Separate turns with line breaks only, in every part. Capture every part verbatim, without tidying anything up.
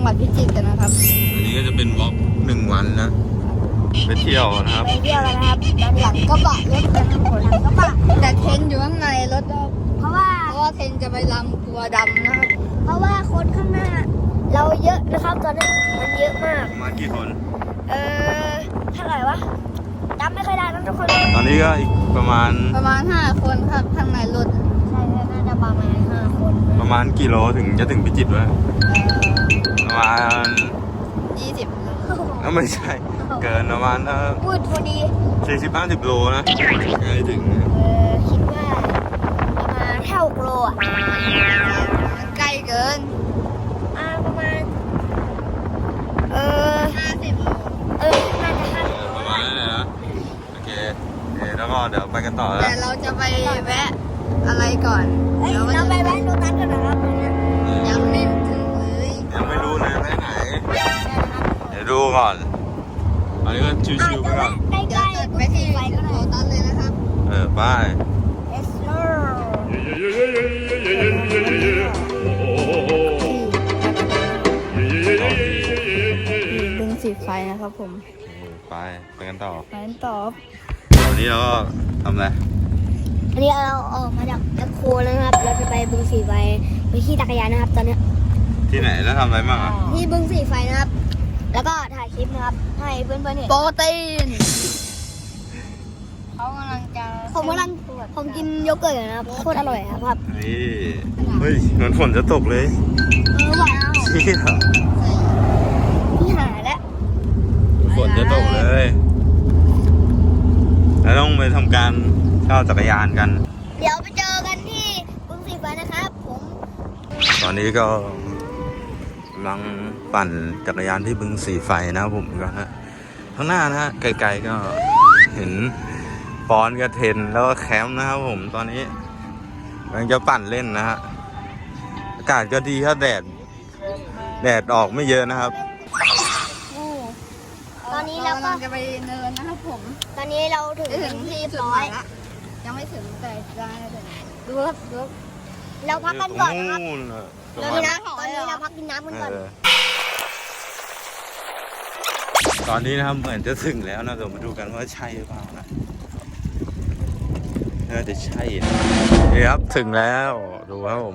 วัดพิจิตรกันนะครับ
อันนี้ก็จะเป็นวอล์กหนึ่งวันนะไปเที่ยวนะครับ
ไปเที่ยวกันนะครับด้านหลังกระบะรถกันหลังกระบะแต่เทนอยู่ข้างในรถเพราะว่าเพราะว่าเทนจะไปลำตัวดำนะครับเพราะว่าคนข้างหน้าเราเยอะนะครับตอนนี้มันเยอะมาก
มากี่คน
เออเท่าไหร่วะจำไม่ค่อยได้นะทุกคน
ตอนนี้ก็อีกประมาณ
ประมาณห้าคนครับข้างในรถใช่น่าจะประมาณห้าคน
ประมาณกี่โลถึงจะถึงพิจิตรวะประมาณ
ยี่สิบ
โลไม่ใช่เกินประมาณเออ
พูดพอดี
สี่สิบห้าสิบโลนะไม่ถึง
เออคิดว่าประมาณเท่าโลอ่ะใกล้เกินอ่าประมาณเออห้าสิบโลเออน่าจะห้าสิบ
ประมาณนั้นเลยนะโอเคแล้วก็เดี๋ยวไปกันต่อแล้ว
แต่เราจะไปแวะอะไรก่อนเราไปแวะโรตัสกันนะครับยังไม่ถึงเลย
ยังไม่รู้เลยไปไหนเดี๋ยวดูก่อนอันนี้ก็ชิวๆไปก่อน
ใกล้ๆไปที่โรตัสเลยนะครับ
เออไป
ดึงสีไฟนะครับผม
ไปไปกันต่อ
ไปกันต่อ
วันนี้เราก็ทำอะไร
อันนี้เราออกมาจากแมคโครแล้วนะครับเราจะไปบึงสีไฟไปขี่จักรยานนะครับตอนนี้
ที่ไหนแล้วทำอะไรบ้างอ่ะ
ที่บึงสีไฟนะครับแล้วก็ถ่ายคลิปนะครับให้เพื่อนๆเห็นโปรตีนเขากำลังจะผมกำลังผมกินโยเกิร์ตนะครับโคตรอร่อยครับ
นี่เฮ้ยเหมือนฝนจะตกเลย
เออว้าว
ที่เหรอ
ที่หายแล้ว
ฝนจะตกเลยแล้วต้องไปทำการเช่าจักรยานกัน
เดี๋ยวไปเจอกันที่บึงสีไฟนะครับผม
ตอนนี้ก็กำลังปั่นจักรยานที่บึงสีไฟนะครับผมก็ฮะข้างหน้านะฮะไกลๆก็เห็นปอนกับเทนแล้วก็แคมป์นะครับผมตอนนี้กำลังจะปั่นเล่นนะฮะอากาศก็ดีครับแดดแดดออกไม่เยอะนะครับ
ตอนนี้เราก็จะไปเนินนะครับผมตอนนี้เราถึงที่เรียบร้อยยังไม่ถึงแต่ได้เลยดูครับดูเราพักกันก่อนนะครับเรามีน้ำตอนนี้เราพักกินน้ำกันก่อน
ตอนนี้นะครับเหมือนจะถึงแล้วนะเดี๋ยวมาดูกันว่าใช่หรือเปล่านะน่าจะใช่นะนี่ครับถึงแล้วดูครับผม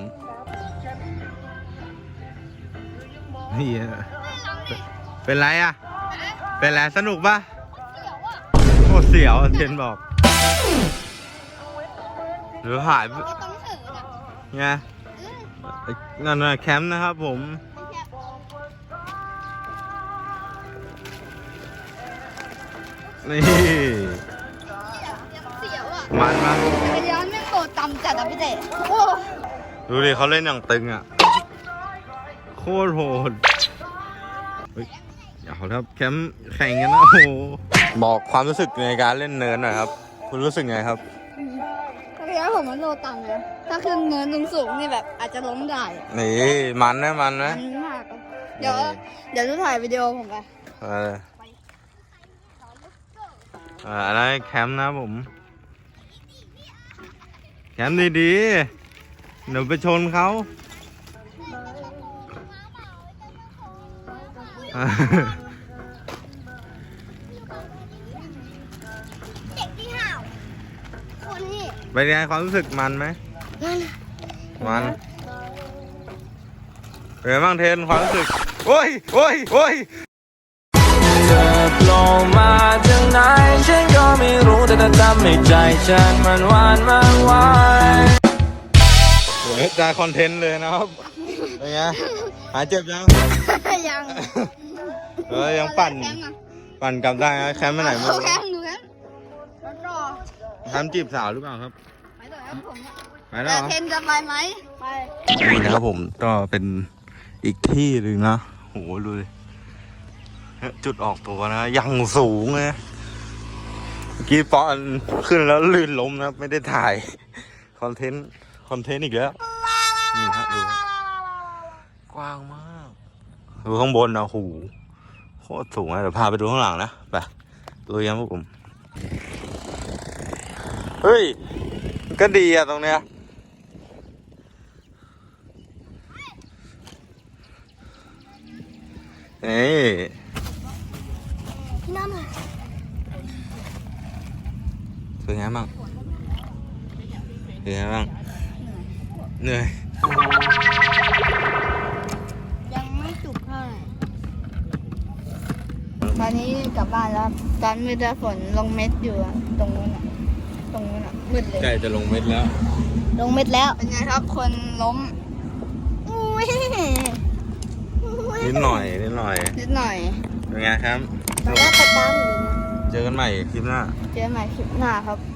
นี่เป็นไรอ่ะเป็นไรสนุกปะโคตรเสียวเทนบอกหรือหายไงนั่นน่ะแคมป์นะครับผมนี่มันมา
จักรยานไม่โตต่ำจัดอ่ะพี่เต้
ดูดิเขาเล่นอย่างตึงอ่ะโคตรโหดเฮ้ยอย่าเขาครับแคมป์แข่งกันนะโอ้โหบอกความรู้สึกในการเล่นเนินหน่อยครับคุณรู้สึกไงครับ
จักรยานผมมันโตต่ำนะถ้าขึ้นเนินสูงๆนี่แบบอาจจะล้มได้
นี่มันนะมันนะ
มันมากเดี๋ยวเดี๋ยวจะถ่ายวิดีโอผมไป
อะไรแคมป์นะผมแคมป์ดีๆเดี๋ยวไปชนเขา
เด็กที่ห่าวคนนี่
เป็นไงความรู้สึกมันไหมมันเป็นไงบ้างเทนความรู้สึกโอ้ยโอ้ยโอ้ย
เธอโผล่มาจากไหนฉันก็ไม่รู้แต่ทำให้ใจฉันมันหวานมากวาย
โอ้ยได้คอนเทนต์เลยนะครับเป็นไงหายเจ็บยัง
ยัง
เออยังปั่นปั่นกลับได้นะแคมป์ไปไหนไม่รู้
แคมป์ดูแคมป์รอ
แคมป์จีบสาวหรือเปล่าครับ
ไปต่อครับผม
ไปแล้วเหรอ
เทนจะไปไหมไป
นี่นะครับผมก็เป็นอีกที่หนึ่งนะโหดูดิจุดออกตัวนะยังสูงเลยเมื่อกี้ปอนขึ้นแล้วลื่นล้มนะไม่ได้ถ่ายคอนเทนต์คอนเทนต์อีกแล้วนี่ฮะดูกว้างมากดูข้างบนนะโหโคตรสูงเลยเดี๋ยวพาไปดูข้างหลังนะไปดูยังพวกผมเฮ้ยก็ดีอะตรงเนี้ยเอ้ย
พี่น้ำอ่ะ
เป็นไงบ้างเป็นไงบ้างเหนื่อย
ยังไม่จุกเท่าไหร่ตอนนี้กลับบ้านแล้วตอนมืดฝนลงเม็ดอยู่อะตรงนู้นอะตรงนู้นอะมืดเลย
ใกล้จะลงเม็ดแล้ว
ลงเม็ดแล้วเป็นไงครับคนล้มอุ้ย
นิดหน่อยนิดหน่อย
นิดหน่อย
เป็นไงครับ
ตอนแรกกระตามอยู่นะ
เจอกันใหม่คลิปหน้า
เจอกันใหม่คลิปหน้าครับ